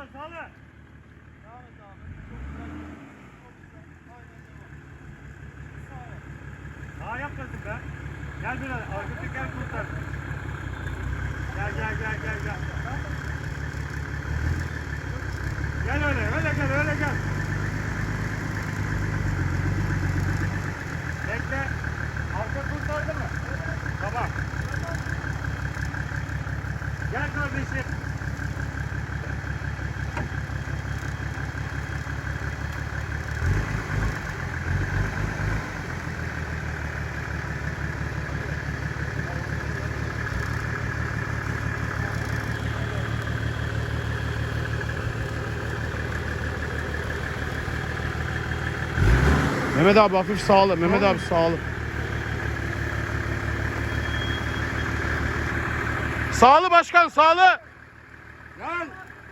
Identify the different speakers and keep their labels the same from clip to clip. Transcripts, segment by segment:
Speaker 1: Sağla sağla.
Speaker 2: Devam et abi. Çok güzel. Aynen devam. Sağa.
Speaker 1: Daha yapmasın be. Gel biraz. Arka teker kurtar. Gel. Gel öyle gel. Bekle. Arka kurtardı mı? Tamam. Gel kardeşim.
Speaker 3: Mehmet abi hafif sağlı. Mehmet abi sağlı. Sağlı başkan sağlı.
Speaker 1: Gel.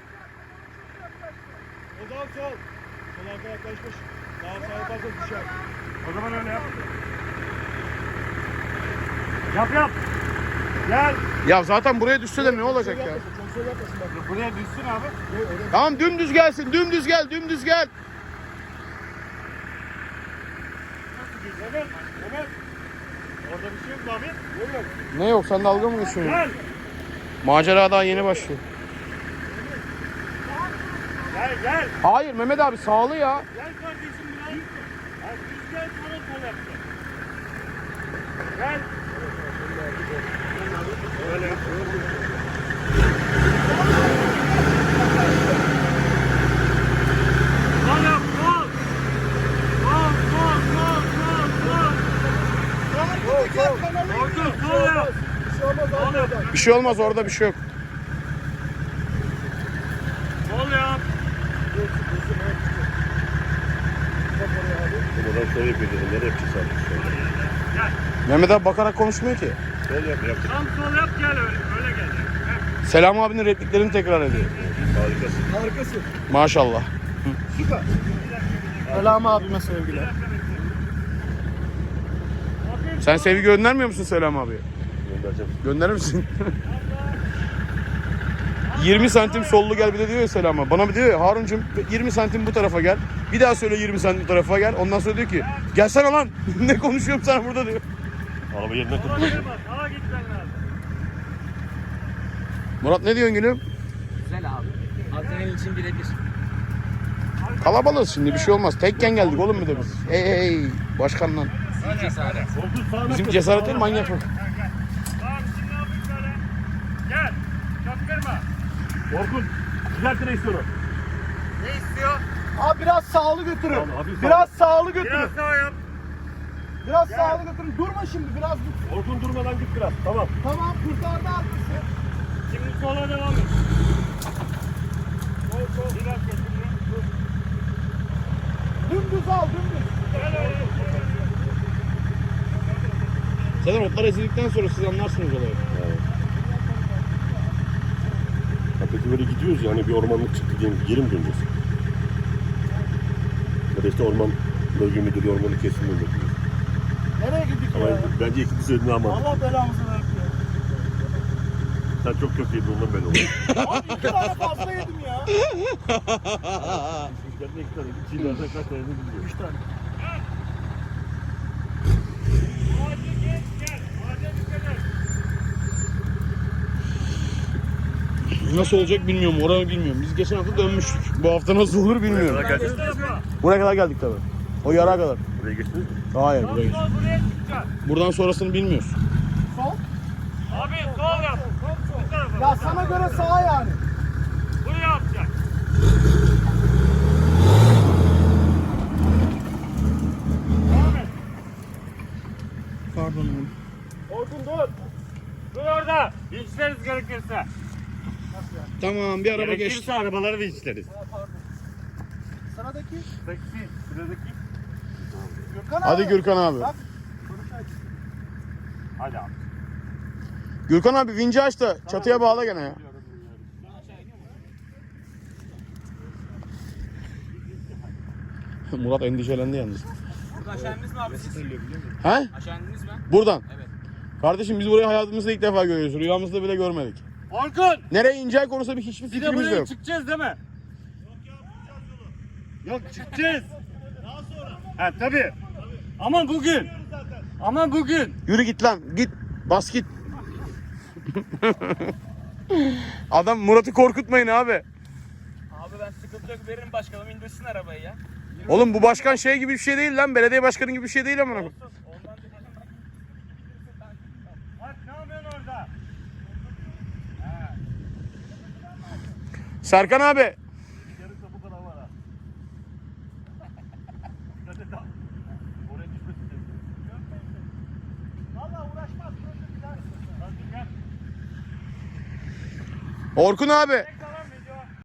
Speaker 1: Odan sol. Sol arka yaklaşmış. Daha sağa fazla düşer. O zaman öyle yap. Yap. Gel.
Speaker 3: Ya zaten buraya düşse de ne olacak ya?
Speaker 1: Çok sol yapmasın bak. Buraya düşsün abi.
Speaker 3: Tamam dümdüz gelsin. Dümdüz gel.
Speaker 1: Evet. Orada bir şey yok mu abi? Yok.
Speaker 3: Ne yok sen dalga mı geçiyorsun?
Speaker 1: Gel.
Speaker 3: Macera daha yeni başlıyor.
Speaker 1: Gel.
Speaker 3: Hayır Mehmet abi sağlı ya.
Speaker 1: Gel kardeşim biraz. Ha, düz gel sonra sol yapacağız. Gel. Öyle yap. Sol yap, sol. Sol yap.
Speaker 3: Bir şey olmaz orada bir şey yok.
Speaker 1: Sol yap.
Speaker 4: Buradan sol yapıyor dedim. Nereye yapacağız abi?
Speaker 1: Gel.
Speaker 3: Mehmet abi bakarak konuşmuyor ki.
Speaker 4: Sol yap. Yaptık.
Speaker 1: Tam sol yap gel öyle gel. Heh.
Speaker 3: Selam abinin repliklerini tekrar ediyor.
Speaker 4: Harikasın.
Speaker 3: Maşallah.
Speaker 2: Selam abime sevgiler.
Speaker 3: Sen sevgi göndermiyor musun Selam abiye?
Speaker 4: Göndereceğim.
Speaker 3: Gönderir misin? 20 santim sollu gel bir de diyor ya Selam abi. Bana bir diyor ya Haruncum 20 santim bu tarafa gel. Bir daha söyle 20 santim bu tarafa gel. Ondan sonra diyor ki gelsene lan. Ne konuşuyorum sana burada diyor.
Speaker 4: Araba yerinden
Speaker 1: Sola
Speaker 4: kırpıyor.
Speaker 1: girme, sağa gitmen lazım.
Speaker 3: Murat ne diyorsun gülüm?
Speaker 2: Güzel abi. Adrenalin için birebir.
Speaker 3: Kalabalığız şimdi bir şey olmaz. Tekken geldik oğlum bir de biz. Hey başkanla.
Speaker 2: Cesaret.
Speaker 1: Koltuğu sağına
Speaker 3: Bizim
Speaker 1: kır.
Speaker 3: cesaret değil manyak.
Speaker 1: Tamam şimdi ne yapayım böyle? Gel. Çaktırma. Orkun. Düzelt direksiyonu. Ne istiyor?
Speaker 2: Abi biraz sağlı götürün.
Speaker 1: Tamam, hafif sağ.
Speaker 2: Biraz sağlı götürün.
Speaker 1: Biraz sağa yap.
Speaker 2: Biraz
Speaker 1: Gel.
Speaker 2: sağlı götürün. Durma şimdi biraz dur.
Speaker 1: Orkun durmadan git biraz. Tamam.
Speaker 2: Tamam kurtardı arkası.
Speaker 1: Şimdi sola devam et. Sol. Bir dakika şimdi. Dur.
Speaker 2: Dümdüz al dümdüz.
Speaker 1: Gel öyle.
Speaker 3: Zaten otlar ezildikten sonra siz anlarsınız olayı.
Speaker 4: Ha, peki böyle gidiyoruz yani bir ormanlık çıktı diyelim ki geri mi döneceğiz? Ya da işte orman bölge müdürü ormanı kesin mi bekliyor?
Speaker 2: Nereye gittik
Speaker 4: Ama
Speaker 2: ya?
Speaker 4: bence ikinci söylediğin ama
Speaker 2: Allah belamızı versin ya.
Speaker 4: sen çok kötü yedin ondan ben oldum.
Speaker 2: Abi 2 tane fazla yedim ya.
Speaker 4: Sizlerden 2 tane, 2 nereden kaç tane bilmiyorum.
Speaker 2: 3 tane.
Speaker 1: Ağaca geç gel. Ağaca dikkat et.
Speaker 3: Nasıl olacak bilmiyorum. Oranı bilmiyorum. Biz geçen hafta dönmüştük. Bu hafta nasıl olur bilmiyorum.
Speaker 4: Buraya kadar geldiniz.
Speaker 1: Bu tarafa.
Speaker 3: Buraya kadar geldik tabii. O yara kadar.
Speaker 4: Buraya geçtiniz mi?
Speaker 3: Hayır
Speaker 1: Sol
Speaker 3: buraya geç.
Speaker 1: sol buraya çıkacaksın.
Speaker 3: Buradan sonrasını bilmiyoruz.
Speaker 2: Sol.
Speaker 1: Abi sol yap. Bu tarafa.
Speaker 2: Ya sana göre sağ yani.
Speaker 1: Buraya yapacaksın. Devam et.
Speaker 3: Pardon.
Speaker 1: Orkun dur. Dur orada. Vinçleriz gerekirse.
Speaker 3: Tamam bir araba geçti.
Speaker 1: Gerekirse arabaları vinçleriz.
Speaker 2: Ha, pardon. Sıradaki
Speaker 1: Sıradaki.
Speaker 2: Gürkan abi.
Speaker 3: Hadi Gürkan abi.
Speaker 2: Bak. Konuşayım.
Speaker 1: Hadi abi.
Speaker 3: Gürkan abi vinci aç da çatıya bağla gene ya. Murat endişelendi yalnız.
Speaker 5: Burada aşağı indiniz mi abi siz?
Speaker 3: He?
Speaker 5: Aşağı indiniz mi?
Speaker 3: Buradan.
Speaker 5: Evet.
Speaker 3: Kardeşim biz burayı hayatımızda ilk defa görüyoruz. Rüyamızda bile görmedik.
Speaker 1: Orkun.
Speaker 3: Nereye ineceği konusunda hiçbir
Speaker 1: Bir de
Speaker 3: fikrimiz de
Speaker 1: buraya
Speaker 3: yok.
Speaker 1: çıkacağız değil mi? Yok çıkacağız. Daha sonra. Ha tabii. Ama bugün. Ama bugün.
Speaker 3: Yürü git lan. Git. Bas git. Adam Murat'ı korkutmayın abi.
Speaker 5: Abi ben sıkıntı yok veririm başkanım indirsin arabayı ya.
Speaker 3: Oğlum bu başkan şey gibi bir şey değil lan. Belediye başkanı gibi bir şey değil amına koyayım.
Speaker 5: Ondan da
Speaker 1: Bak ne yapıyorsun orada?
Speaker 3: Serkan abi.
Speaker 1: Yarın bu kadar var ha. Dikkat et ha. Oraya düşmesin.
Speaker 2: Valla uğraşmaz.
Speaker 1: Hadi gel.
Speaker 3: Orkun abi.